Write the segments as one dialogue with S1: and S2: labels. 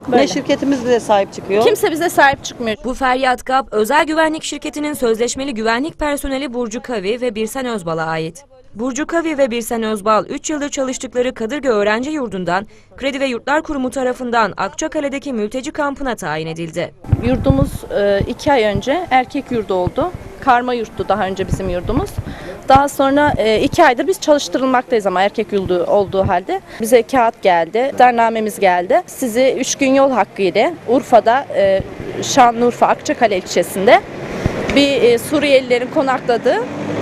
S1: Ne şirketimiz bize sahip çıkıyor.
S2: Kimse bize sahip çıkmıyor.
S3: Bu feryat GAP, özel güvenlik şirketinin sözleşmeli güvenlik personeli Burcu Kavi ve Birsen Özbal'a ait. Burcu Kavi ve Birsen Özbal, 3 yıldır çalıştıkları Kadırga Öğrenci Yurdu'ndan Kredi ve Yurtlar Kurumu tarafından Akçakale'deki mülteci kampına tayin edildi.
S2: Yurdumuz 2 ay önce erkek yurdu oldu. Karma yurttu daha önce bizim yurdumuz. Daha sonra 2 aydır biz çalıştırılmaktayız ama erkek yurdu olduğu halde. Bize kağıt geldi, iddianamemiz geldi. Sizi 3 gün yol hakkı ile Urfa'da, Şanlıurfa Akçakale ilçesinde bir Suriyelilerin konakladığı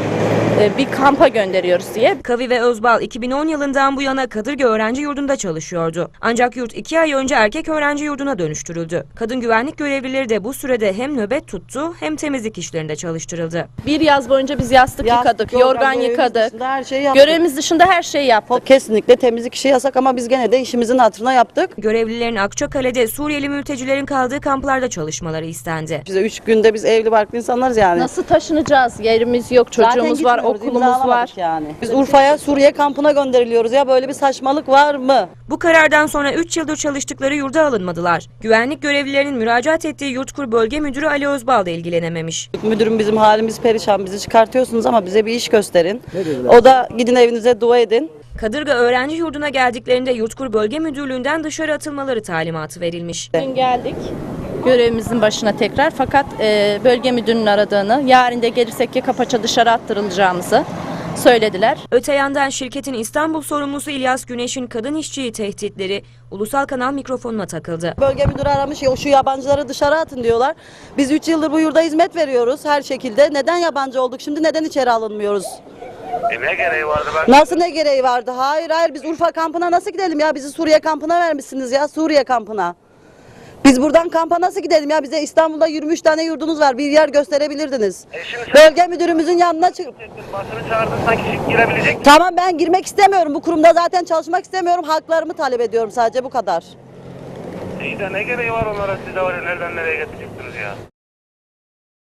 S2: bir kampa gönderiyoruz diye.
S3: Kavi ve Özbal 2010 yılından bu yana Kadırga Öğrenci Yurdu'nda çalışıyordu. Ancak yurt 2 ay önce erkek öğrenci yurduna dönüştürüldü. Kadın güvenlik görevlileri de bu sürede hem nöbet tuttu hem temizlik işlerinde çalıştırıldı.
S2: Bir yaz boyunca biz yastık yıkadık, yorgan yıkadık.
S1: Her şeyi yaptık.
S2: Görevimiz dışında her şeyi yaptık.
S1: Kesinlikle temizlik işi yasak ama biz gene de işimizin hatırına yaptık.
S3: Görevlilerin Akçakale'de Suriyeli mültecilerin kaldığı kamplarda çalışmaları istendi.
S1: Bize 3 günde biz evli barklı insanlarız yani.
S2: Nasıl taşınacağız? Yerimiz yok, çocuğumuz var, okulumuz var.
S1: Yani. Biz Urfa'ya, Suriye kampına gönderiliyoruz ya, böyle bir saçmalık var mı?
S3: Bu karardan sonra 3 yıldır çalıştıkları yurda alınmadılar. Güvenlik görevlilerinin müracaat ettiği Yurtkur Bölge Müdürü Ali Özbal da ilgilenememiş.
S1: Müdürüm, bizim halimiz perişan, bizi çıkartıyorsunuz ama bize bir iş gösterin. O da gidin evinize dua edin.
S3: Kadırga Öğrenci Yurdu'na geldiklerinde Yurtkur Bölge Müdürlüğü'nden dışarı atılmaları talimatı verilmiş.
S2: Dün geldik görevimizin başına tekrar, fakat bölge müdürünün aradığını, yarın da gelirsek Yakapaça dışarı attırılacağımızı söylediler.
S3: Öte yandan şirketin İstanbul sorumlusu İlyas Güneş'in kadın işçiyi tehditleri ulusal kanal mikrofonuna takıldı.
S1: Bölge müdürü aramış, ya şu yabancıları dışarı atın diyorlar. Biz 3 yıldır bu yurda hizmet veriyoruz her şekilde. Neden yabancı olduk şimdi, neden içeri alınmıyoruz?
S4: Ne gereği vardı
S1: Nasıl ne gereği vardı? Hayır biz Urfa kampına nasıl gidelim ya? Bizi Suriye kampına vermişsiniz ya, Suriye kampına. Biz buradan kampa nasıl gidelim ya? Bize İstanbul'da 23 tane yurdunuz var. Bir yer gösterebilirdiniz. Bölge müdürümüzün yanına çık.
S4: Basını çağırdın, sanki girebilecek.
S1: Tamam, ben girmek istemiyorum. Bu kurumda zaten çalışmak istemiyorum. Haklarımı talep ediyorum, sadece bu kadar.
S4: İyi de ne gereği var onlara, siz de var ya, nereden nereye getireceksiniz ya?